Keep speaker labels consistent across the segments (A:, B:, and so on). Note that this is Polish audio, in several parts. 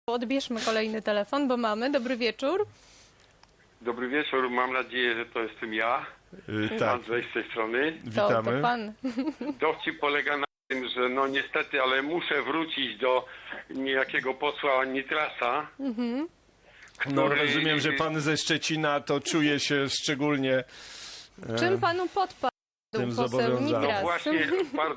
A: Odbierzmy kolejny telefon, bo mamy. Dobry wieczór.
B: Dobry wieczór, mam nadzieję, że to jestem ja,
C: Tak,
B: Andrzej z tej strony.
A: To
C: witamy.
A: pan.
B: Dowcip polega na tym, że no niestety, ale muszę wrócić do niejakiego posła Nitrasa,
C: No
B: który-
C: rozumiem, że pan ze Szczecina to czuje się szczególnie
A: Czym panu podpadł
C: tym
A: poseł
C: zobowiązany.
A: Nitras?
B: Właśnie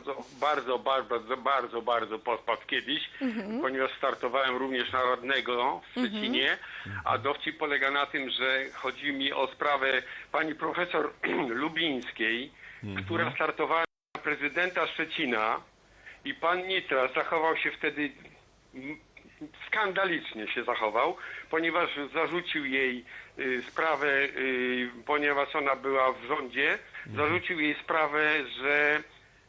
B: bardzo podpadł kiedyś, ponieważ startowałem również na radnego w Szczecinie, a dowcip polega na tym, że chodzi mi o sprawę pani profesor Lubińskiej, która startowała na prezydenta Szczecina i pan Nitras zachował się wtedy skandalicznie się zachował, ponieważ zarzucił jej sprawę, ponieważ ona była w rządzie, zarzucił jej sprawę, że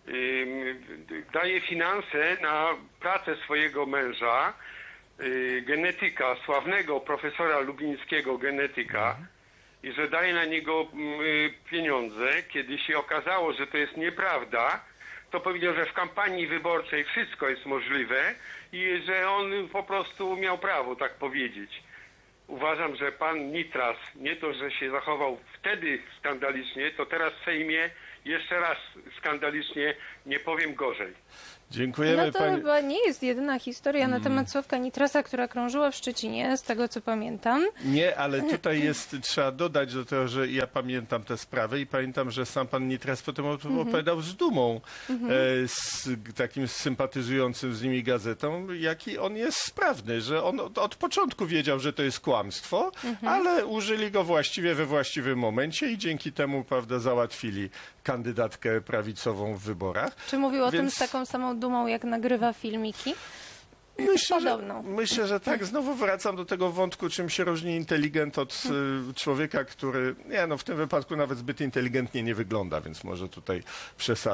B: daje finanse na pracę swojego męża, genetyka, sławnego profesora lubińskiego genetyka, i że daje na niego pieniądze. Kiedy się okazało, że to jest nieprawda, to powiedział, że w kampanii wyborczej wszystko jest możliwe i że on po prostu miał prawo tak powiedzieć. Uważam, że pan Nitras nie to, że się zachował wtedy skandalicznie, to teraz w Sejmie jeszcze raz skandalicznie, nie powiem gorzej.
C: Dziękujemy
A: No to
C: pani.
A: chyba nie jest jedyna historia na temat Sławka Nitrasa, która krążyła w Szczecinie, z tego co pamiętam.
C: Nie, ale tutaj trzeba dodać do tego, że ja pamiętam te sprawy i pamiętam, że sam pan Nitras potem opowiadał z dumą, z takim sympatyzującym z nimi gazetą, jaki on jest sprawny, że on od początku wiedział, że to jest kłamstwo, ale użyli go właściwie we właściwym momencie i dzięki temu, prawda, załatwili kandydatkę prawicową w wyborach.
A: Czy mówił o tym
C: Więc-
A: z taką samą dumą, jak nagrywa filmiki? Podobną.
C: Myślę, że tak. Znowu wracam do tego wątku, czym się różni inteligent od człowieka, który, nie, no w tym wypadku nawet zbyt inteligentnie nie wygląda, więc może tutaj przesadzę.